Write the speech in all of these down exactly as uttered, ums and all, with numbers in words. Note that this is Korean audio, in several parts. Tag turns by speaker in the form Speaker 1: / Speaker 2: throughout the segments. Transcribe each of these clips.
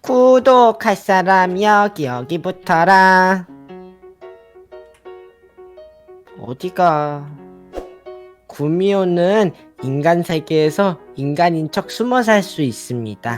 Speaker 1: 구독할 사람 여기 여기 붙어라. 어디가? 구미호는 인간 세계에서 인간인 척 숨어 살 수 있습니다.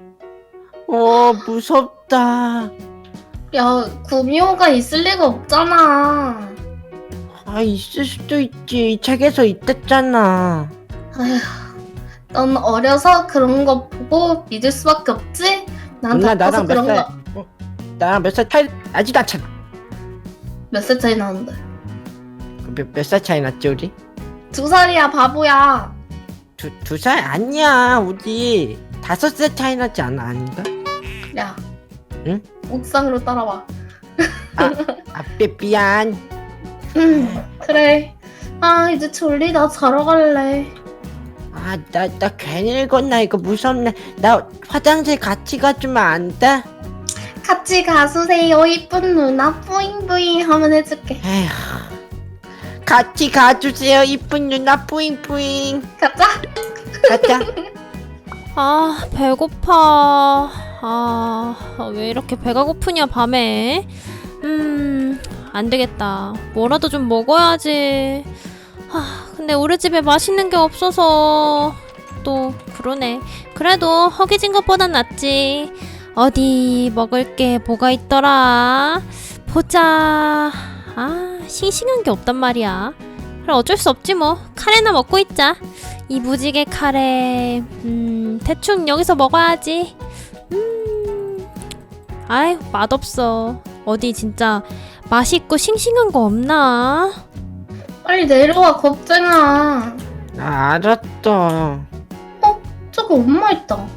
Speaker 1: 어, 무섭다.
Speaker 2: 야, 구미호가 있을 리가 없잖아.
Speaker 1: 아, 있을 수도 있지. 이 책에서 있댔잖아.
Speaker 2: 아휴, 넌 어려서 그런 거 보고 믿을 수밖에 없지? 난
Speaker 1: 누나
Speaker 2: 다 커서
Speaker 1: 나랑 몇
Speaker 2: 그런
Speaker 1: 살?
Speaker 2: 거...
Speaker 1: 어, 나랑 몇 살 차이 나지도 않잖아.
Speaker 2: 몇 살 차이 나는데?
Speaker 1: 몇 살 차이 났지 우리?
Speaker 2: 두 살이야, 바보야.
Speaker 1: 두 두 살 아니야. 우리 다섯 살 차이 나지 않아 아닌가?
Speaker 2: 야,
Speaker 1: 응?
Speaker 2: 옥상으로 따라와.
Speaker 1: 아, 아 미- 미안.
Speaker 2: 음, 그래. 아, 이제 졸리다. 자러 갈래.
Speaker 1: 아, 나, 나 괜히 읽었나? 이거 무섭네. 나 화장실 같이 가주면 안 돼?
Speaker 2: 같이 가주세요, 이쁜 누나. 뿌잉뿌잉 하면 해줄게.
Speaker 1: 에휴. 같이 가주세요, 이쁜 누나. 뿌잉뿌잉.
Speaker 2: 가자.
Speaker 1: 가자.
Speaker 3: 아, 배고파. 아, 왜 이렇게 배가 고프냐, 밤에. 음, 안 되겠다. 뭐라도 좀 먹어야지. 아, 근데 우리 집에 맛있는 게 없어서. 또, 그러네. 그래도 허기진 것보단 낫지. 어디 먹을 게 뭐가 있더라. 보자. 아, 싱싱한 게 없단 말이야. 그래, 어쩔 수 없지 뭐. 카레나 먹고 있자. 이 무지개 카레. 음, 대충 여기서 먹어야지. 음, 아이, 맛없어. 어디 진짜 맛있고 싱싱한 거 없나?
Speaker 2: 빨리 내려와, 겁쟁아.
Speaker 1: 나 알았어.
Speaker 2: 저기 엄마 있다.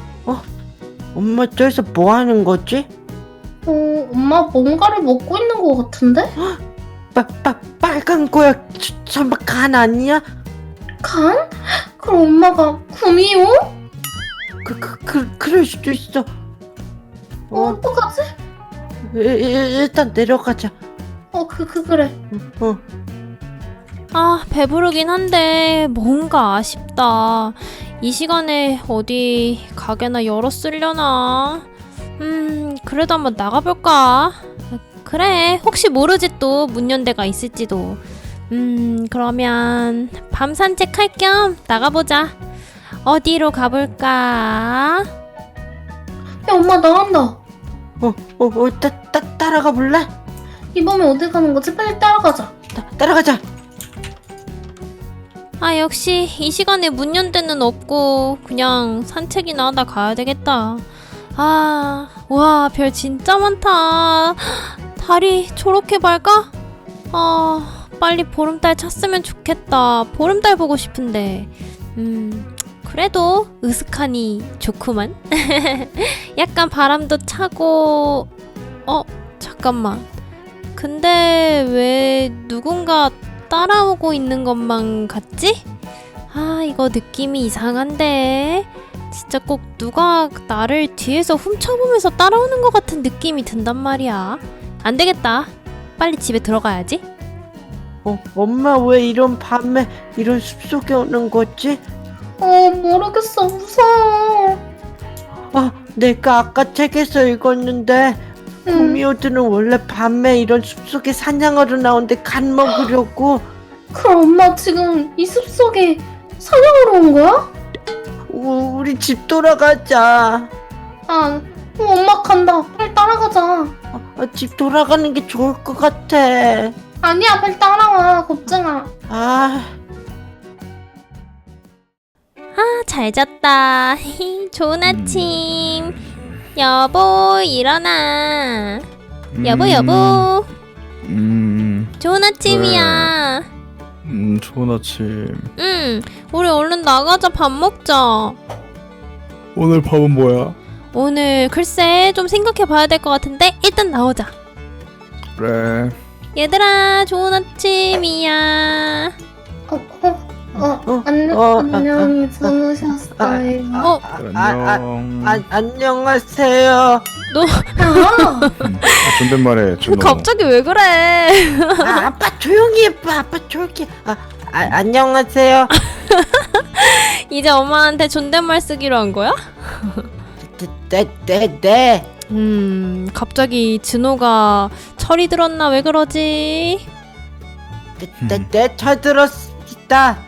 Speaker 1: 엄마 저기서 뭐 하는 거지?
Speaker 2: 어, 엄마 뭔가를 먹고 있는 것 같은데?
Speaker 1: 빠, 빠, 빨간 거야. 저- 설마 간 아니야?
Speaker 2: 간? 그럼 엄마가 구미호?
Speaker 1: 그, 그, 그, 그럴 수도 있어.
Speaker 2: 어,
Speaker 1: 어,
Speaker 2: 어떡하지?
Speaker 1: 일, 일- 일단 내려가자.
Speaker 2: 어, 그, 그, 그래.
Speaker 1: 어.
Speaker 3: 아, 배부르긴 한데 뭔가 아쉽다. 이 시간에 어디 가게나 열었으려나? 음, 그래도 한번 나가볼까? 그래, 혹시 모르지 또 문 연 데가 있을지도. 음, 그러면 밤 산책할 겸 나가보자. 어디로 가볼까?
Speaker 2: 야, 엄마 나간다.
Speaker 1: 어, 어, 어, 따, 따, 따라가 볼래?
Speaker 2: 이 밤에 어디 가는 거지? 빨리 따라가자.
Speaker 1: 따, 따라가자.
Speaker 3: 아, 역시 이 시간에 문 연 데는 없고 그냥 산책이나 하다 가야 되겠다. 아, 와, 별 진짜 많다. 달이 저렇게 밝아? 아, 빨리 보름달 찼으면 좋겠다. 보름달 보고 싶은데. 음, 그래도 으슥하니 좋구만. 약간 바람도 차고. 어, 잠깐만. 근데 왜 누군가 따라오고 있는 것만 같지? 아, 이거 느낌이 이상한데. 진짜 꼭 누가 나를 뒤에서 훔쳐보면서 따라오는 것 같은 느낌이 든단 말이야. 안 되겠다. 빨리 집에 들어가야지.
Speaker 1: 어, 엄마 왜 이런 밤에 이런 숲속에 오는 거지?
Speaker 2: 어, 모르겠어. 무서워.
Speaker 1: 아, 내가 아까 책에서 읽었는데
Speaker 2: 응.
Speaker 1: 구미호들은 원래 밤에 이런 숲속에 사냥하러 나오는데 간 먹으려고.
Speaker 2: 그럼 엄마 지금 이 숲속에 사냥하러 온 거야?
Speaker 1: 우, 우리 집 돌아가자.
Speaker 2: 아, 어, 엄마 간다. 빨리 따라가자.
Speaker 1: 아, 아, 집 돌아가는 게 좋을 것 같아.
Speaker 2: 아니야, 빨리 따라와. 겁쟁아.
Speaker 1: 아,
Speaker 3: 아, 잘 잤다. 좋은 아침. 여보, 일어나. 여보, 여보.
Speaker 4: 음,
Speaker 3: 좋은 아침이야.
Speaker 4: 음, 좋은 아침.
Speaker 3: 응, 우리 얼른 나가자. 밥 먹자.
Speaker 4: 오늘 밥은 뭐야?
Speaker 3: 오늘 글쎄 좀 생각해 봐야 될 것 같은데 일단 나오자.
Speaker 4: 그래.
Speaker 3: 얘들아, 좋은 아침이야.
Speaker 2: 어, 어, 어,
Speaker 1: 어,
Speaker 2: 안녕,
Speaker 1: 어,
Speaker 2: 안녕히 주무셨어요.
Speaker 3: 어,
Speaker 1: 아, 아,
Speaker 4: 안녕.
Speaker 1: 아, 안녕하세요.
Speaker 3: 너
Speaker 2: 야,
Speaker 4: 음, 아, 존댓말해, 준호.
Speaker 3: 갑자기 왜 그래?
Speaker 1: 아, 아빠 조용히 해봐. 아빠 조용히 해. 아, 아, 안녕하세요.
Speaker 3: 이제 엄마한테 존댓말 쓰기로 한 거야?
Speaker 1: 대, 네, 네, 네.
Speaker 3: 음, 갑자기 진호가 철이 들었나 왜 그러지?
Speaker 1: 네, 네, 네, 잘 들었습니다.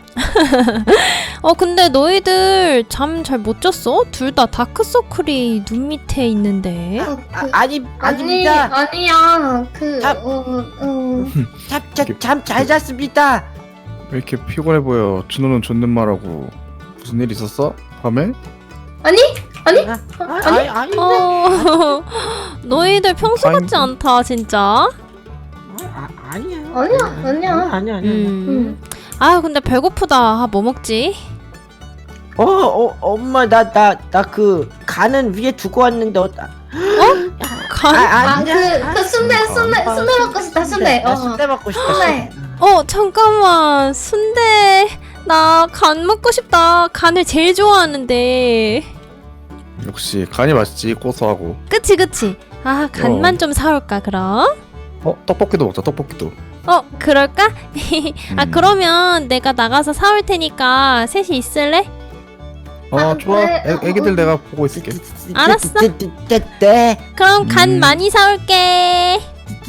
Speaker 3: 어, 근데 너희들 잠 잘 못 잤어? 둘 다 다크서클이 눈 밑에 있는데.
Speaker 2: 어,
Speaker 1: 아,
Speaker 2: 그,
Speaker 1: 아니,
Speaker 2: 아니
Speaker 1: 아닙니다.
Speaker 2: 아니야 그
Speaker 1: 아.
Speaker 2: 어, 어.
Speaker 1: 잠, 잠, 잠 잘 잤습니다.
Speaker 4: 왜 이렇게 피곤해 보여? 준호는 존댓말하고 무슨 일 있었어? 밤에?
Speaker 2: 아니 아니
Speaker 1: 아, 아,
Speaker 2: 아니?
Speaker 1: 아니, 아니,
Speaker 3: 어, 너희들 평소 같지
Speaker 4: 타임.
Speaker 3: 않다, 진짜.
Speaker 1: 아, 아니야.
Speaker 2: 아니야, 아니야.
Speaker 1: 아니야, 아니야.
Speaker 3: 음. 아, 근데 배고프다. 아, 뭐 먹지?
Speaker 1: 어, 어, 엄마, 나, 나, 나 그 간은 위에 두고 왔는데, 어, 나-
Speaker 3: 간?
Speaker 1: 아, 아니야.
Speaker 2: 아그 그 순대 순대
Speaker 1: 아,
Speaker 2: 순대 먹고 싶다 순대
Speaker 1: 나
Speaker 2: 어
Speaker 1: 순대 먹고 싶다.
Speaker 2: 순대.
Speaker 1: 순대.
Speaker 3: 어, 잠깐만. 순대. 나 간 먹고 싶다. 간을 제일 좋아하는데.
Speaker 4: 역시 간이 맛있지, 고소하고.
Speaker 3: 그치, 그치. 아, 간만
Speaker 4: 어.
Speaker 3: 좀 사올까, 그럼?
Speaker 4: 어, 떡볶이도 먹자, 떡볶이도.
Speaker 3: 어, 그럴까? 아,
Speaker 4: 음.
Speaker 3: 그러면 내가 나가서 사올 테니까 셋이 있을래?
Speaker 4: 어,
Speaker 2: 아,
Speaker 4: 좋아.
Speaker 2: 네.
Speaker 4: 애, 애기들 내가 보고 있을게.
Speaker 3: 알았어.
Speaker 1: 네, 네, 네, 네.
Speaker 3: 그럼 간
Speaker 4: 음.
Speaker 3: 많이 사올게.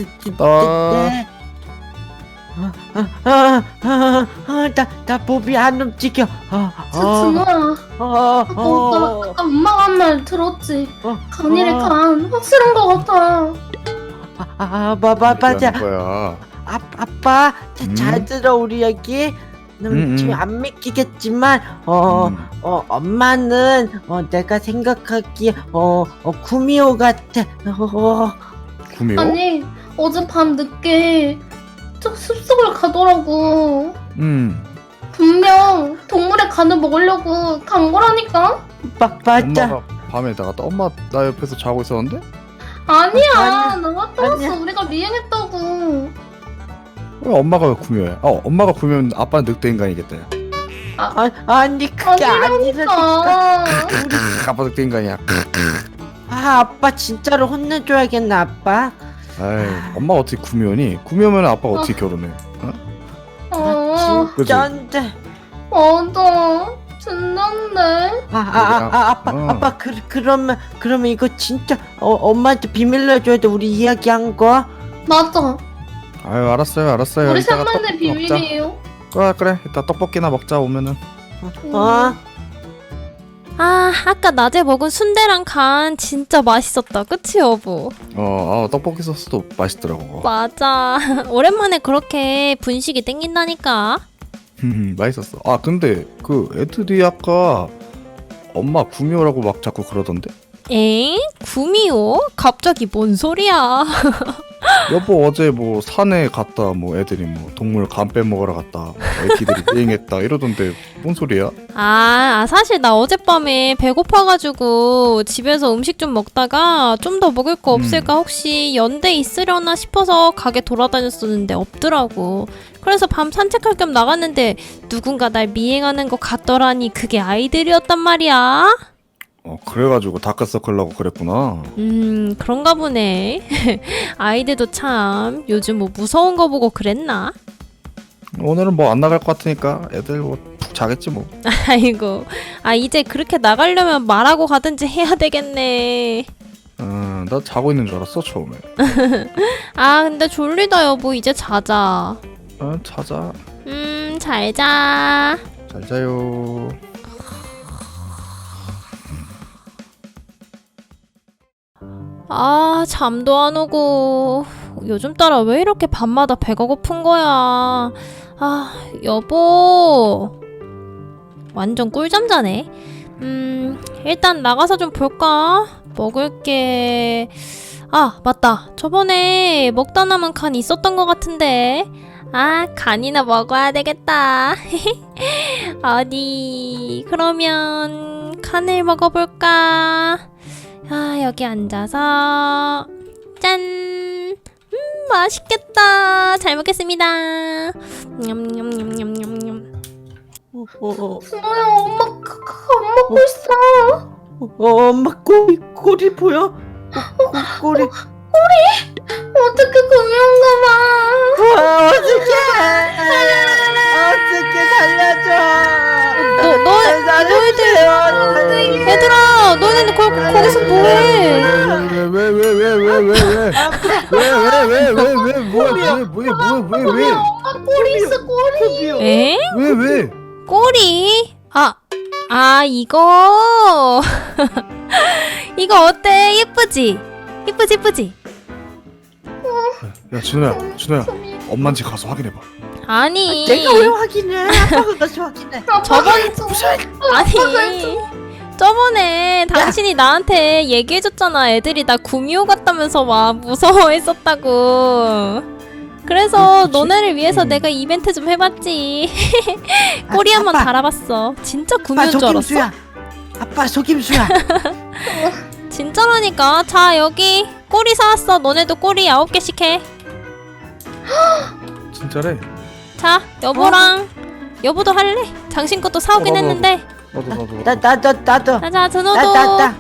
Speaker 4: 아.
Speaker 1: 네. 아, 아, 아, 아, 아, 나, 나 몸이 안 움직여. 아,
Speaker 2: 저
Speaker 1: 아,
Speaker 2: 준호야
Speaker 1: 아,
Speaker 2: 아까,
Speaker 1: 아,
Speaker 2: 아까 엄마가 한 말 들었지
Speaker 1: 어,
Speaker 2: 간이래
Speaker 1: 어.
Speaker 2: 간 확실한 거 같아
Speaker 1: 아, 아, 마, 마, 맞아.
Speaker 4: 얘기하는 거야.
Speaker 1: 아, 아빠, 자,
Speaker 4: 음?
Speaker 1: 잘 들어 우리 얘기. 음,
Speaker 4: 음,
Speaker 1: 지금
Speaker 4: 음.
Speaker 1: 안 믿기겠지만, 어,
Speaker 4: 음.
Speaker 1: 어, 엄마는 어, 내가 생각하기에 어, 어, 구미호 같아. 어,
Speaker 4: 구미호?
Speaker 2: 아니 어제 밤 늦게 저 숲속을 가더라고
Speaker 4: 음.
Speaker 2: 분명 동물의 간을 먹으려고 간 거라니까
Speaker 1: 마, 맞아.
Speaker 4: 엄마가 밤에 나갔다. 엄마 나 옆에서 자고 있었는데?
Speaker 2: 아니야
Speaker 1: 아니야.
Speaker 2: 나 갔다 왔어
Speaker 1: 아니야.
Speaker 2: 우리가 미행했다고
Speaker 4: 왜 엄마가 왜 구미호야? 어, 엄마가 구미호면 아빠는 늑대 인간이겠다.
Speaker 1: 아, 아니 그게 아니라니까.
Speaker 2: 아니라니까
Speaker 4: 아빠 늑대 인간이야.
Speaker 1: 아, 아빠 진짜로 혼내줘야겠나 아빠.
Speaker 4: 아이, 엄마가 어떻게 구미호니? 구미호면 아빠가 어떻게 결혼해? 어?
Speaker 2: 어
Speaker 1: 진짜인데.
Speaker 2: 맞아 진짠데
Speaker 1: 아, 아, 아, 아 아빠,
Speaker 4: 어.
Speaker 1: 아빠 그 그러면 그러면 이거 진짜 어, 엄마한테 비밀로 해줘야 돼 우리 이야기한 거.
Speaker 2: 맞아
Speaker 4: 아유, 알았어요, 알았어요.
Speaker 2: 우리
Speaker 4: 이따가
Speaker 2: 셋만의
Speaker 4: 떡볶이 먹자.
Speaker 2: 비밀이에요
Speaker 4: 그래, 그래. 이따 떡볶이나 먹자 오면은.
Speaker 1: 어.
Speaker 3: 아, 아까 낮에 먹은 순대랑 간 진짜 맛있었다. 그치, 여보?
Speaker 4: 어, 아, 떡볶이 소스도 맛있더라고.
Speaker 3: 맞아. 오랜만에 그렇게 분식이 땡긴다니까.
Speaker 4: 맛있었어. 아, 근데 그 애들이 아까 엄마 구미호라고 막 자꾸 그러던데?
Speaker 3: 엥? 구미호? 갑자기 뭔 소리야?
Speaker 4: 여보 어제 뭐 산에 갔다 뭐 애들이 뭐 동물 간 빼먹으러 갔다 뭐 애기들이 비행했다 이러던데 뭔 소리야?
Speaker 3: 아, 아, 사실 나 어젯밤에 배고파가지고 집에서 음식 좀 먹다가 좀 더 먹을 거 없을까 혹시 연대 있으려나 싶어서 가게 돌아다녔었는데 없더라고. 그래서 밤 산책할 겸 나갔는데 누군가 날 미행하는 것 같더라니 그게 아이들이었단 말이야.
Speaker 4: 어 그래가지고 다크서클라고 그랬구나.
Speaker 3: 음, 그런가 보네. 아이들도 참 요즘 뭐 무서운 거 보고 그랬나?
Speaker 4: 오늘은 뭐 안 나갈 것 같으니까 애들 뭐 푹 자겠지 뭐.
Speaker 3: 아이고, 아 이제 그렇게 나가려면 말하고 가든지 해야 되겠네.
Speaker 4: 어나 자고 있는 줄 알았어 처음에.
Speaker 3: 아 근데 졸리다 여보, 이제 자자.
Speaker 4: 어 자자.
Speaker 3: 음, 잘 자.
Speaker 4: 잘 자요.
Speaker 3: 아, 잠도 안 오고. 요즘 따라 왜 이렇게 밤마다 배가 고픈 거야. 아, 여보. 완전 꿀잠 자네. 음, 일단 나가서 좀 볼까? 먹을 게... 아, 맞다. 저번에 먹다 남은 간 있었던 것 같은데. 아, 간이나 먹어야 되겠다. 어디, 그러면 간을 먹어볼까? 아, 여기 앉아서 짠! 음, 맛있겠다. 잘 먹겠습니다. 냠냠냠냠냠냠.
Speaker 1: 어, 어,
Speaker 2: 준호야 엄마 그, 그거 안 먹고 있어
Speaker 1: 어, 엄마 꼬리 꼬리 보여? 꼬, 꼬, 꼬리.
Speaker 2: 어떻게 구미호인가 봐
Speaker 1: 아, 어떡해! 어떡해 살려줘!
Speaker 3: 너, 너,
Speaker 1: 날 살려주세요.
Speaker 3: 얘들아, 너네는 거, 거기서 뭐해?
Speaker 4: 왜왜왜왜왜왜왜왜왜왜 뭐야 뭐야 뭐야 뭐야
Speaker 2: 꼬리 엄마 꼬리 있어 꼬리.
Speaker 3: 에?
Speaker 4: 왜왜
Speaker 3: 꼬리? 아, 아 이거 이거 어때? 예쁘지? 예쁘지 예쁘지?
Speaker 4: 야 준호야 준호야 엄마인지 가서 확인해봐.
Speaker 3: 아니
Speaker 1: 내가 왜 확인해? 아빠가 가서 확인해.
Speaker 3: 저번
Speaker 2: 무슨
Speaker 3: 아니 저번에 당신이 나한테 얘기해줬잖아. 애들이 나 구미호 같다면서 막 무서워했었다고. 그래서
Speaker 4: 그치?
Speaker 3: 너네를 위해서
Speaker 4: 음.
Speaker 3: 내가 이벤트 좀 해봤지. 꼬리 한번
Speaker 1: 아빠.
Speaker 3: 달아봤어. 진짜
Speaker 1: 아빠
Speaker 3: 구미호인 줄 알았어?
Speaker 1: 속임수야. 아빠 속임수야.
Speaker 3: 진짜라니까. 자 여기 꼬리 사왔어. 너네도 꼬리 아홉 개씩 해.
Speaker 4: 진짜래?
Speaker 3: 자 여보랑 여보도 할래? 당신 것도 사오긴
Speaker 4: 어, 나도,
Speaker 3: 했는데.
Speaker 4: 나도 나도
Speaker 1: 나 나도 나도.
Speaker 3: 자자 준호도.
Speaker 1: 나 나 나.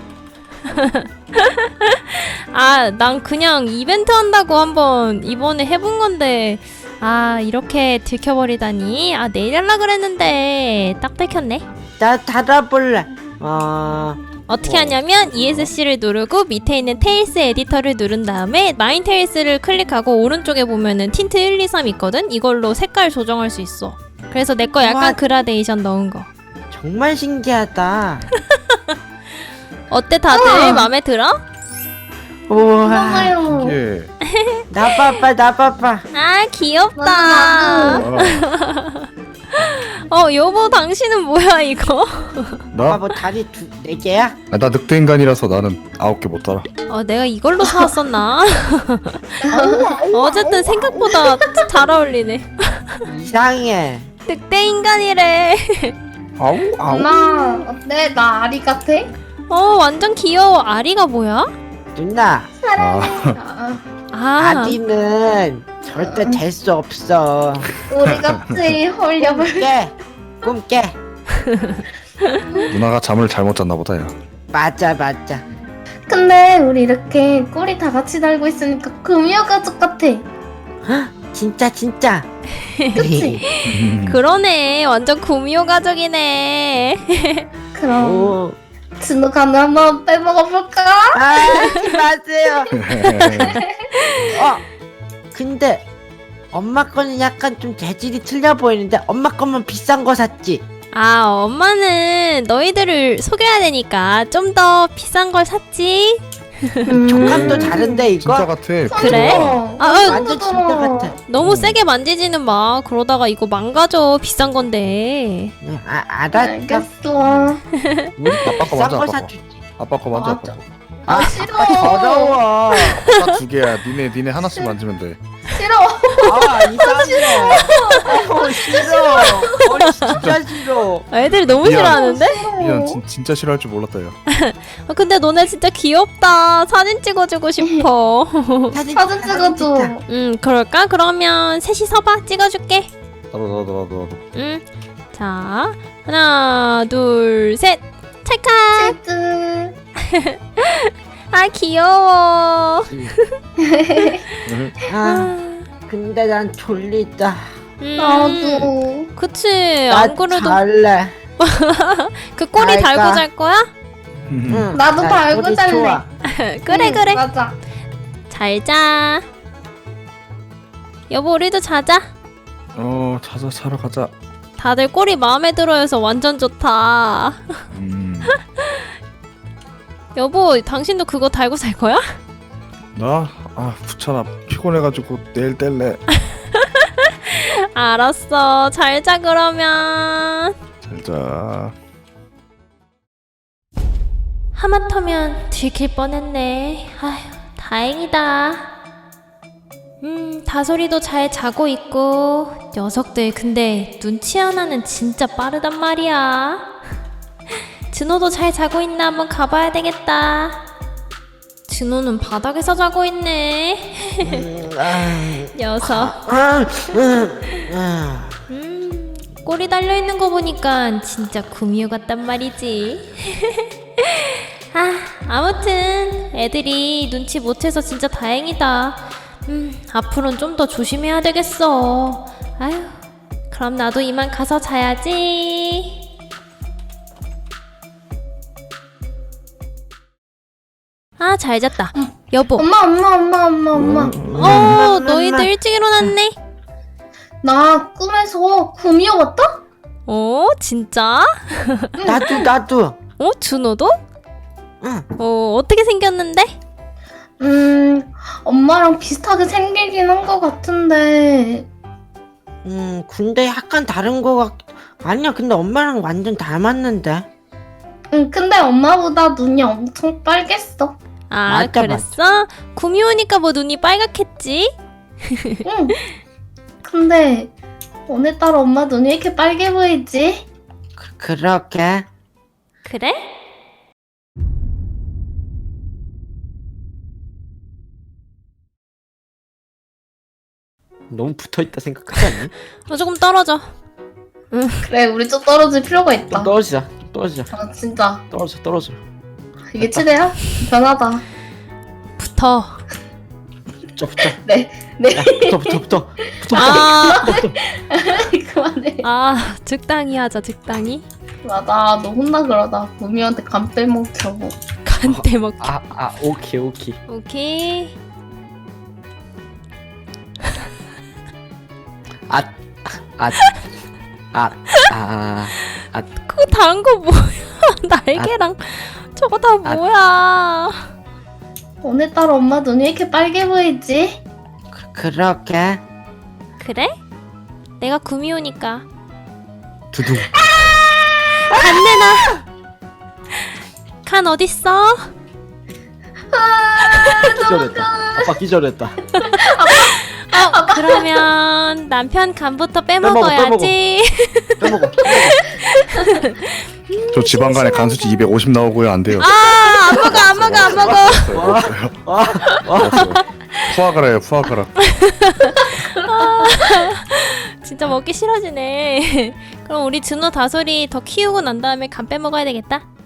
Speaker 3: 아, 난 그냥 이벤트 한다고 한번 이번에 해본 건데, 아, 이렇게 들켜버리다니. 아, 내일 할라 그랬는데, 딱 들켰네.
Speaker 1: 나 달아볼래. 어.
Speaker 3: 어떻게
Speaker 1: 어.
Speaker 3: 하냐면, 이에스씨를 누르고 밑에 있는 테일스 에디터를 누른 다음에, 마인 테일스를 클릭하고 오른쪽에 보면은 틴트 일, 이, 삼 있거든? 이걸로 색깔 조정할 수 있어. 그래서 내 거 약간
Speaker 1: 우와.
Speaker 3: 그라데이션 넣은 거.
Speaker 1: 정말 신기하다.
Speaker 3: 어때, 다들?
Speaker 2: 우와.
Speaker 3: 마음에 들어?
Speaker 1: 우와.
Speaker 2: 엄마요.
Speaker 4: 이게
Speaker 1: 나 봐봐 나 봐봐.
Speaker 3: 아, 귀엽다.
Speaker 2: 나도,
Speaker 3: 어, 여보, 당신은 뭐야, 이거?
Speaker 1: 아빠
Speaker 4: 나?
Speaker 1: 뭐 다리 두 네 개야?
Speaker 4: 아, 나 늑대 인간이라서 나는 아홉 개 못 달아.
Speaker 3: 어, 내가 이걸로 사왔었나? 어쨌든 생각보다 잘 어울리네.
Speaker 1: 이상해.
Speaker 3: 늑대 인간이래.
Speaker 4: 아우 아우.
Speaker 2: 엄마 어때? 나 아리 같아?
Speaker 3: 어, 완전 귀여워. 아리가 뭐야?
Speaker 1: 누나.
Speaker 2: 사랑해. 아,
Speaker 3: 아,
Speaker 1: 아디는 절대 될 수 없어.
Speaker 2: 우리 같이 홀려볼.
Speaker 1: 깨. 꿈 깨.
Speaker 4: 누나가 잠을 잘못 잤나 보다 야.
Speaker 1: 맞아 맞아.
Speaker 2: 근데 우리 이렇게 꼬리 다 같이 달고 있으니까 금이어 가족 같아.
Speaker 1: 진짜 진짜.
Speaker 2: 그치?
Speaker 3: 그러네. 완전 구미호 가족이네.
Speaker 2: 그럼
Speaker 1: 오.
Speaker 2: 진우 간을 한번 빼먹어볼까?
Speaker 1: 아, 하지 마세요. 어. 근데 엄마 거는 약간 좀 재질이 틀려 보이는데 엄마 거만 비싼 거 샀지?
Speaker 3: 아, 엄마는 너희들을 속여야 되니까 좀 더 비싼 걸 샀지.
Speaker 2: 음.
Speaker 1: 촉감도 다른데 이거?
Speaker 4: 진짜 같아.
Speaker 3: 그래?
Speaker 2: 어,
Speaker 3: 아, 아,
Speaker 1: 완전 진짜 같아.
Speaker 3: 너무 세게 만지지는 마. 그러다가 이거 망가져. 비싼 건데.
Speaker 1: 네, 아, 알았어.
Speaker 2: 알겠어.
Speaker 1: 우리
Speaker 4: 아빠 거
Speaker 1: 비싼
Speaker 4: 먼저,
Speaker 1: 거
Speaker 4: 아빠 거.
Speaker 1: 사주지.
Speaker 4: 아빠 거 먼저 아빠
Speaker 2: 맞아.
Speaker 4: 거.
Speaker 2: 아 싫어.
Speaker 1: 더러워.
Speaker 4: 아빠 두 개야. 니네 니네 하나씩 만지면 돼.
Speaker 2: 싫어.
Speaker 1: 아, 이상해. 어, 싫어. 어, 진짜 싫어.
Speaker 3: 아, 애들이 너무
Speaker 4: 미안.
Speaker 3: 싫어하는데?
Speaker 4: 미안 진, 진짜 싫어할 줄 몰랐다 야.
Speaker 3: 아, 근데 너네 진짜 귀엽다. 사진 찍어주고 싶어.
Speaker 1: 사진,
Speaker 2: 사진 찍어줘.
Speaker 3: 음, 그럴까? 그러면 셋이 서봐. 찍어줄게.
Speaker 4: 나도 나도 나도 나도.
Speaker 3: 음. 자, 하나, 둘, 셋. 찰칵.
Speaker 2: 치즈.
Speaker 3: 아, 귀여워.
Speaker 1: 아, 근데 난 졸리다.
Speaker 3: 음,
Speaker 2: 나도.
Speaker 3: 그치.
Speaker 1: 나
Speaker 3: 안 그래도
Speaker 1: 잘래.
Speaker 3: 그 꼬리
Speaker 1: 잘까?
Speaker 3: 달고 잘 거야?
Speaker 1: 응,
Speaker 2: 나도
Speaker 1: 나
Speaker 2: 달고
Speaker 1: 졸리
Speaker 2: 잘래.
Speaker 1: 좋아.
Speaker 3: 그래,
Speaker 2: 응,
Speaker 3: 그래.
Speaker 2: 맞아.
Speaker 3: 잘 자. 여보, 우리도 자자.
Speaker 4: 어 자자 자러 가자.
Speaker 3: 다들 꼬리 마음에 들어해서 완전 좋다.
Speaker 4: 음.
Speaker 3: 여보, 당신도 그거 달고 잘 거야?
Speaker 4: 나? 아 귀찮아. 피곤해가지고 내일 뗄래.
Speaker 3: 알았어. 잘 자, 그러면.
Speaker 4: 잘자.
Speaker 3: 하마터면 들킬 뻔했네. 아휴, 다행이다. 음, 다솔이도 잘 자고 있고. 녀석들 근데 눈치 하나는 진짜 빠르단 말이야. 진호도 잘 자고 있나 한번 가봐야 되겠다. 진호는 바닥에서 자고 있네.
Speaker 1: 음, 아,
Speaker 3: 녀석.
Speaker 1: 아, 음, 아.
Speaker 3: 음, 꼬리 달려있는 거 보니까 진짜 구미호 같단 말이지. 아, 아무튼 애들이 눈치 못 채서 진짜 다행이다. 음, 앞으로는 좀 더 조심해야 되겠어. 아휴, 그럼 나도 이만 가서 자야지. 아, 잘 잤다. 여보.
Speaker 2: 엄마 엄마 엄마 엄마 엄마.
Speaker 3: 어, 너희들 일찍 일어났네.
Speaker 2: 나 꿈에서 구미호 왔다?
Speaker 3: 어, 진짜?
Speaker 1: 나도 나도.
Speaker 3: 어, 준호도?
Speaker 1: 응.
Speaker 3: 어, 어떻게 생겼는데?
Speaker 2: 음 엄마랑 비슷하게 생기긴 한 것 같은데.
Speaker 1: 음 근데 약간 다른 거 같. 아니야 근데 엄마랑 완전 닮았는데.
Speaker 2: 응 근데 엄마보다 눈이 엄청 빨갰어.
Speaker 3: 아,
Speaker 1: 맞아,
Speaker 3: 그랬어? 구미 오니까 뭐 눈이 빨갛겠지?
Speaker 2: 응. 근데 오늘따라 엄마 눈이 왜 이렇게 빨개 보이지?
Speaker 1: 그, 그렇게.
Speaker 3: 그래?
Speaker 1: 너무 붙어있다 생각하지 않니?
Speaker 3: 어, 조금 떨어져.
Speaker 2: 그래 우리 좀 떨어질 필요가 있다.
Speaker 1: 좀 떨어지자. 좀 떨어지자.
Speaker 2: 아 진짜
Speaker 1: 떨어져 떨어져.
Speaker 2: 이게 최대야? 변하다.
Speaker 3: 붙어.
Speaker 1: 붙어 붙어.
Speaker 2: 네 네.
Speaker 1: 야, 붙어 붙어 붙어. 붙어.
Speaker 3: 아,
Speaker 2: 그만해.
Speaker 3: 아, 적당히 하자, 적당히.
Speaker 2: 맞아 너 혼나 그러다 구미호한테 간 빼먹자고.
Speaker 3: 간대 먹.
Speaker 1: 아, 아, 오케이, 오케이.
Speaker 3: 오케이.
Speaker 1: 아, 아, 아, 아, 아,
Speaker 3: 그거 다른 거 뭐야? 날개랑 저거 다
Speaker 1: 아.
Speaker 3: 뭐야?
Speaker 2: 오늘따라 엄마 눈이 왜 이렇게 빨개 보이지?
Speaker 1: 그, 그렇게.
Speaker 3: 그래? 내가 구미 오니까
Speaker 4: 두둥.
Speaker 3: 간 내놔. 간 어딨어?
Speaker 1: 기절했다. 아빠 기절했다.
Speaker 3: 어, 그러면 남편 간부터 빼먹어야지.
Speaker 1: 빼먹어.
Speaker 4: 저 지방간에 간수치 이백오십 나오고요. 안 돼요.
Speaker 3: 아, 안 먹어, 안 먹어, 안 먹어.
Speaker 1: 와, 와,
Speaker 4: 알았어요. 푸아그라예요. 푸아그라.
Speaker 3: 진짜 먹기 싫어지네. 그럼 우리 준호 다솔이 더 키우고 난 다음에 간 빼먹어야 되겠다.